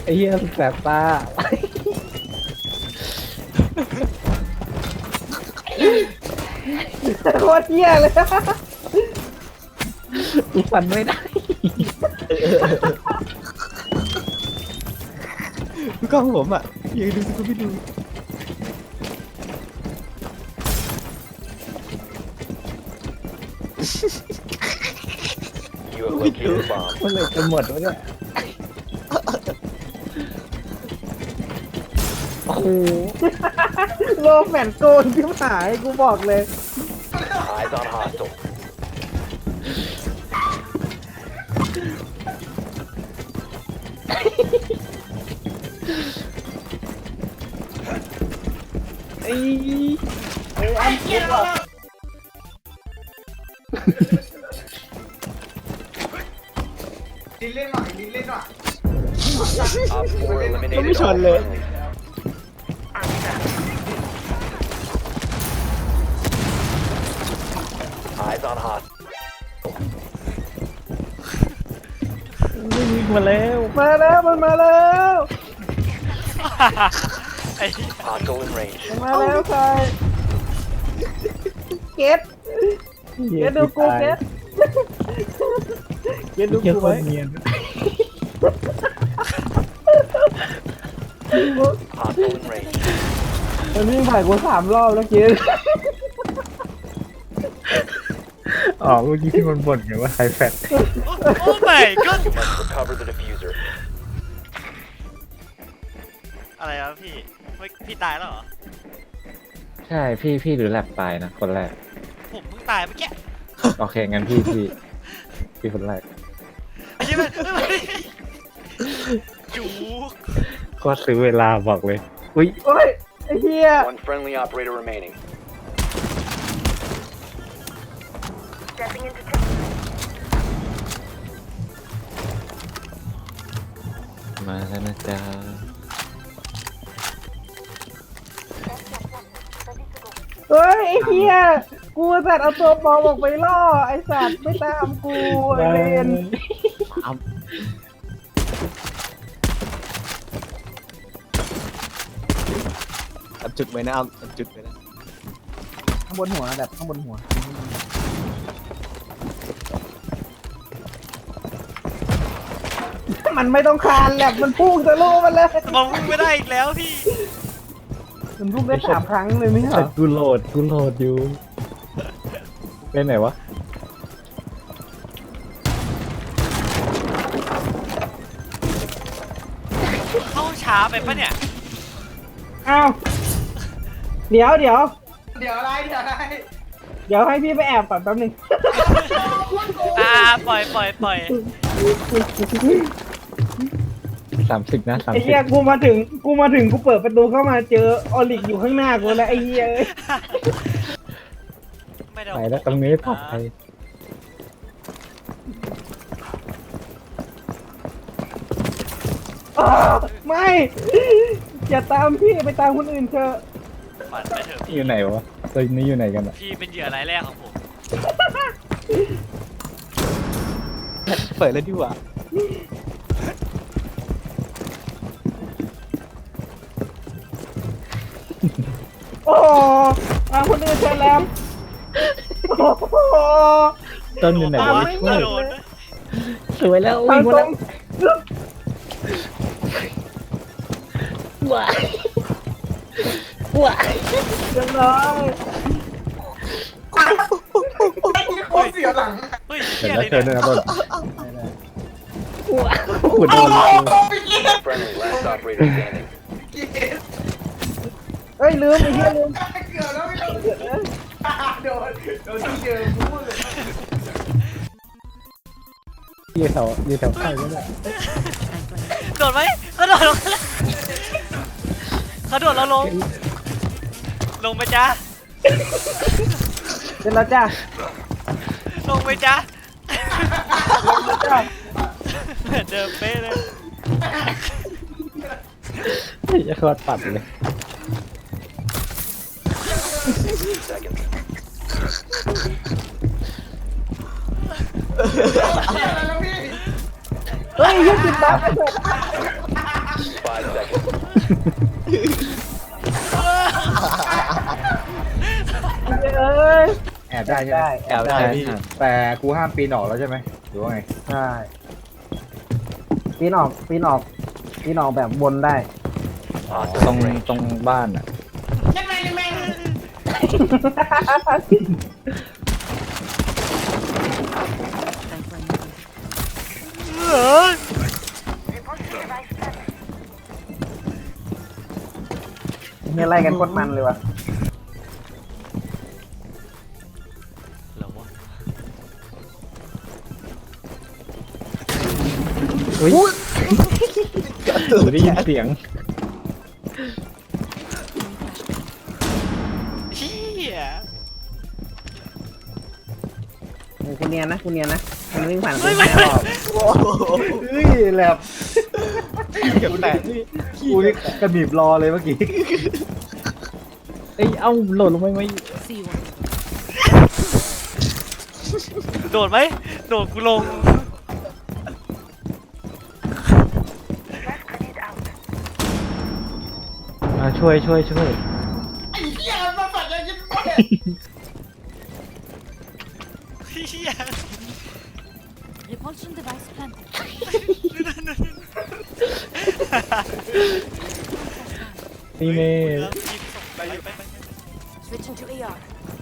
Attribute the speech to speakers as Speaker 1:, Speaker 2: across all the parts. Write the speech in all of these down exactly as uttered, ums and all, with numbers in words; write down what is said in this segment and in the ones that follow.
Speaker 1: ไอ้เหี้ยแสบตา
Speaker 2: โคตรเหี้ยเลย
Speaker 1: กูฟันไม่ได้กล้องผมอ่ะยืนดูสิกูไม่ดู
Speaker 3: You have located a bomb.
Speaker 1: มันเลยจะหมดวะเนี่ยโอ้โห
Speaker 2: โลแฟนโกนที่หายกูบอกเลย
Speaker 3: Eyes on hostile.
Speaker 1: ไอ้
Speaker 2: เอ้ยอันเหี้ยว่ะ
Speaker 4: ดินเล่นหน่อยดินเล่นหน่อย
Speaker 3: Op four eliminated
Speaker 1: Không biết
Speaker 3: all
Speaker 1: chọn lựa.
Speaker 3: friendlies. Eyes on hostile.
Speaker 1: ไม่ยิงมาแล้ว
Speaker 2: มาแล้วมันมาแล้ว
Speaker 5: ไอ้
Speaker 3: Hostile in range.
Speaker 2: มันมาแล้วใครเก็ตเก็ตดูกูเก็ตเก็ตดู
Speaker 1: เกี่ยว
Speaker 2: กู
Speaker 1: ค
Speaker 2: ไว้
Speaker 1: นเนียน
Speaker 3: Hostile in range.
Speaker 2: มันวิ่งผ่านกูสามรอบแล้วเก็ต
Speaker 1: อ๋อเมื่อกี้ที่มันบ่นไงว่าใครแฟด
Speaker 5: โอ้ไม่ก็
Speaker 3: You must recover the diffuser.
Speaker 5: อะไรวะพี่เฮ้ยพี่ตายแล้วเหรอ
Speaker 1: ใช่พี่พี่หรือแลบตายนะคนแรก
Speaker 5: ผมเพิ่งตายเมื่อกี้
Speaker 1: โอเคงั้นพี่พี่พี่คนแรก
Speaker 5: ไอ้เหี้ยมันจูก
Speaker 1: ก็ซื้อเวลาบอกเลยอุ้ย
Speaker 2: โอ้ยไอ้เหี้ย
Speaker 3: One friendly operator remaining.
Speaker 1: มาแล้วนะจ๊ะ
Speaker 2: เฮ้ยไอ้เหี้ยกูสัตว์เอาตัวปลอมออกไปล่อไอ้สัตว์ไม่ตามกูไอ้เวน
Speaker 1: อับจุดไว้นะเอาอับจุดไว้นะ
Speaker 2: ข้างบนหัวแบบข้างบนหัวมันไม่ต้องคานแหลบมันพุ่งทะลุมันเลย
Speaker 5: มองไม่ได้อีกแล้วพี่
Speaker 2: มันพุ่งได้สามครั้งเลยไม่ใช่เหร
Speaker 1: แต่
Speaker 2: อ
Speaker 1: กูโหลดกูโหลดอยู่เป็นไหนวะ
Speaker 5: เข้าช้าไปปะเนี่ย
Speaker 2: อ้าวเดี๋ยวเดี๋ยว
Speaker 4: เดี๋ยวอะไรเดี๋ยวอะไร
Speaker 2: เดี๋ยวให้พี่ไปแอบก่อนแป๊บนึง
Speaker 5: อ่าปล่อยปล่อยปล่อย
Speaker 1: สามสิบนะสาม
Speaker 2: ไอ้
Speaker 1: สิบ
Speaker 2: เหี้ยกูมาถึงกูมาถึงกูเปิดประตูเข้ามาเจอออลิกอยู่ข้างหน้ากูแล้วไอ้เหี้ยเอ้ย
Speaker 5: ไม่ได้
Speaker 1: ไปแล้วตรงนี้ปลอดภัย
Speaker 2: อ้าวไม่อย่าตามพี่ไปตามคนอื่นเถอะ
Speaker 5: ฝันไปเถอะพี่
Speaker 1: อยู่ไหนวะตัวนี้อยู่ไหนกันอะ
Speaker 5: พี่เป็นเหยื่อรายแรกของผม
Speaker 1: เปิดแล้วดีกว่า
Speaker 2: โอ้โหตามคนอื่นเถอะแล้วโอ้โห
Speaker 1: ต้นอยู่ไหน
Speaker 2: ตาม
Speaker 1: วะ
Speaker 2: ไม่
Speaker 1: ช่วย
Speaker 5: โดนนะ
Speaker 1: สวยแล้ว
Speaker 2: ตา
Speaker 1: วิ่
Speaker 2: ม
Speaker 1: งมา
Speaker 2: ตร
Speaker 1: แล้ว
Speaker 2: ง
Speaker 1: ว้ายว้าย
Speaker 2: เรียบร้อย
Speaker 4: โคตรเสียหลัง
Speaker 5: เฮ้ย
Speaker 1: เห็น
Speaker 5: เหี้ย
Speaker 1: แล้
Speaker 5: อะ
Speaker 1: ว
Speaker 5: ไร
Speaker 1: เชิญ
Speaker 5: เนี่
Speaker 1: ด้วย
Speaker 5: ย
Speaker 1: นะต้นขุดโดน
Speaker 3: Friendly last operator standing.
Speaker 2: เฮ้ยลืมไอ้เหี้ยลืม
Speaker 4: เกือบแล้วไม่ต้องโดนโดนที่เดิมพูดเลย
Speaker 1: ยี่แถวยี่แถวใกล้ก็ได้
Speaker 5: โดดไหมเขาโดดลงแล้วเขาโดดเราลง ลงไปจ้า
Speaker 2: เสร็จแล้วจ้า
Speaker 5: ลงไปจ้า
Speaker 2: จ้า
Speaker 5: เหมือนเดิมเป๊ะเลย
Speaker 1: จะขอดปัดเลย
Speaker 3: Seconds.
Speaker 4: อะไรแล้วพี่
Speaker 2: เฮ้ยยี่สิบบาทเอ้ย
Speaker 6: แอบได้ใช่ไหม
Speaker 2: ได้
Speaker 1: แอบได้พี่
Speaker 6: แต่กูห้ามปีนออกแล้วใช่ไหมหรือว่าไง
Speaker 2: ใช่ปีนออกปีนออกปีนออกแบบบนได้
Speaker 1: ตรงตรงบ้านอ่ะ
Speaker 4: ยังไงยังไง
Speaker 5: เออ
Speaker 2: เนี่ยไล่กันโคตรมันเลยวะ
Speaker 5: แล้ววะ
Speaker 1: อุ้ยกูได้ยินเสียง
Speaker 5: เฮีย
Speaker 2: โอ้คุณเนียนนะคุณเนียนนะคุณวิ่งผ่าน
Speaker 5: ไม่
Speaker 2: คุณ
Speaker 5: ไม่
Speaker 2: แค่
Speaker 5: ไม่
Speaker 2: รอบ
Speaker 6: เฮ้ยแหลบเกือบแตกนี่กูนี่กระหนีบรอเลยเมื่อกี้
Speaker 1: เอ้ยเอ้าหล่นลงไปไหม
Speaker 5: โดดไหมโดดกูลง
Speaker 1: อ่าช่วยช่วยช่วย
Speaker 4: ไอ้เหี้ยมาฝันยังยิ้มแม่
Speaker 5: เฮีย
Speaker 7: Repulsion device planted.
Speaker 1: นี่เน่
Speaker 5: ไปไปไปไป
Speaker 7: Switching to A R.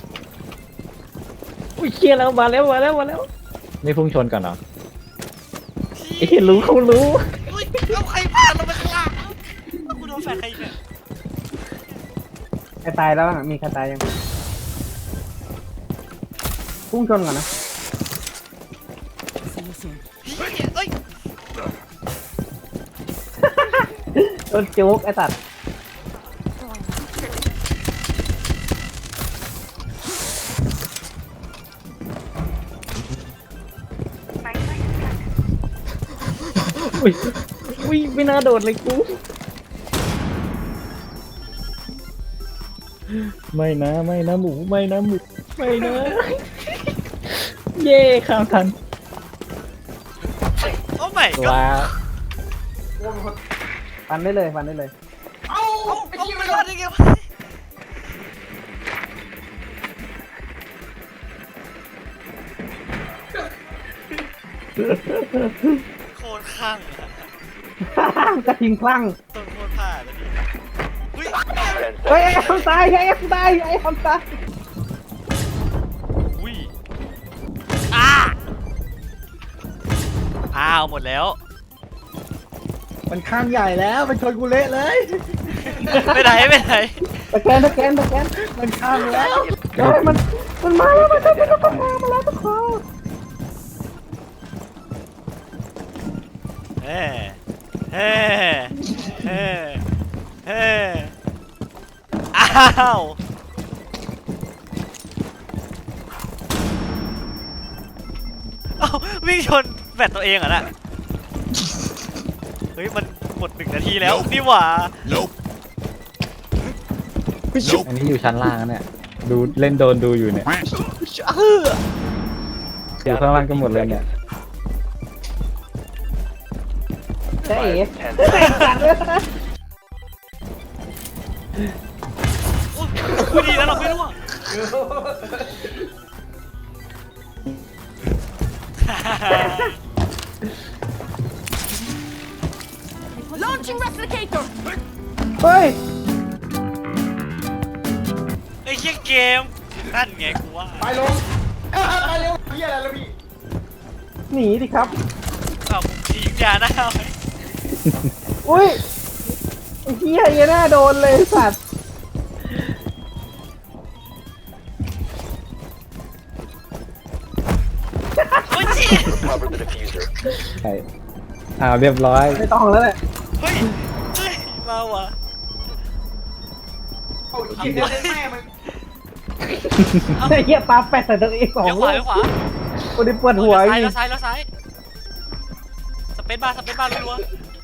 Speaker 1: อุ้ยเคลียร์แล้วมาแล้วมาแล้วมาแล้วนี่พุ่งชนกันเหรอไอ้เหี้ยรู้เขารู้
Speaker 5: อุ้ยเอาใครผ่านลงไปข้างล่างกูโดนแฟนใครอีกเนี่ย
Speaker 2: ใครตายแล้วบ้างอะมีใครตายยังพุ่งชนก่อนนะ
Speaker 7: See you soon.
Speaker 5: เฮียเอ้ย
Speaker 2: โดนจุกไอ้สัตว์
Speaker 1: อุ้ยอุ้ยไม่น่าโดดเลยกูไม่นะไม่นะหมูไม่นะหมูไม่นะ เย่ข้ามทัน
Speaker 5: โอ้ไม่ก็
Speaker 1: ว้า
Speaker 2: ฟันได้เลยฟันได้เลย
Speaker 4: เอ้า
Speaker 5: เอา
Speaker 4: ไอ้
Speaker 5: เอา
Speaker 4: เหี้ย
Speaker 5: ไม่
Speaker 4: ไม่
Speaker 5: ร
Speaker 4: ร
Speaker 5: อ
Speaker 4: อ
Speaker 5: ด
Speaker 4: ด
Speaker 5: ได้ไงวะโคตรข้างอะ
Speaker 2: กระทิงคลั่ง
Speaker 5: ต้นโคตรผ่าเลยพี่อุ้ย
Speaker 3: Ten
Speaker 2: เฮ้ย
Speaker 3: seconds.
Speaker 2: ไอ้คำตายไอ้คำตายไอ้คำตาย
Speaker 5: อุ้ยอ้าอ้าวหมดแล้ว
Speaker 6: มันข้างใหญ่แล้วมันชนกูเละเลย
Speaker 5: ไม่ไหนไม่ไหน
Speaker 2: ตะแกนตะแกนตะแกน
Speaker 6: มันข้างแล้ว
Speaker 2: เฮ้ยมันมันมาแล้วมันมาแล้วมันมามาแล้วทุกคน
Speaker 5: เฮ้เฮ้เฮ้เฮ้อ้าวเอ้าวิ่งชนแบตตัวเองเหรอน่ะเฮ้ยมันหมดหนึ่งนาทีแล้วนี่หว่า
Speaker 1: อันนี้อยู่ชั้นล่างนะเนี่ยดูเล่นโดนดูอยู่เนี่ยอยู่ข้างล่างกันหมดเลยเนี่ย
Speaker 2: เจ๊เอ๋
Speaker 3: Ten
Speaker 2: เจ๊สัตว์เลย
Speaker 5: โอ้ยกูดีแล้วเราไม่รู้อ่ะ
Speaker 7: Launching replicator.
Speaker 2: เฮ้ย
Speaker 5: ไอ้เหี้ยเกมนั่นไงกูว่า
Speaker 4: ไปลงเอ้าไปเร็วเหี้ยอะไรแล้วพี่
Speaker 2: หนีดิครับ
Speaker 5: เอาผมทิ้งยาหน้าไว้
Speaker 2: อุ้ยไอ้เหี้ยเหี้ยหน้าโดนเลยสัตว์
Speaker 5: โอ้ยจี
Speaker 3: Cover the diffuser.
Speaker 1: ใช่อ่าเรียบร้อย
Speaker 2: ไม่ต้องแล้วแหละ
Speaker 5: เฮ้ยเฮ้ยมาว่ะ
Speaker 4: เอาไอ้เหี้ยเดี๋ยวแม่มัน
Speaker 2: ไอ้เหี้ยปลาแปดใส่ตัวเองสอง
Speaker 5: เดี๋ยวข
Speaker 2: ลู
Speaker 5: วาก เดี๋ยวขวา
Speaker 2: คนนี้ปวดหัว
Speaker 5: ซ้าย
Speaker 2: อี
Speaker 5: แล้
Speaker 2: ก
Speaker 5: วซ้ายแล้วซ้ายสเปซบาร์สเปซบาร์รัวๆ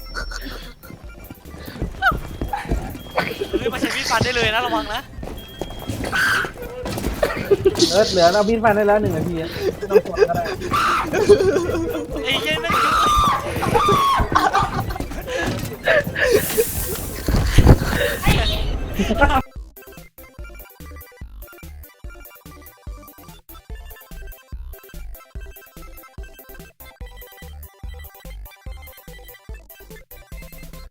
Speaker 5: เฮ้ยมาใช้มีดฟันได้เลยนะระวังนะ
Speaker 2: เออเหลือเราบินฟันได้แล้วหนึ่งนาทีอะไม่ต้องกดก็ได้
Speaker 5: ไอ้เหี้ยแม่ง
Speaker 2: ง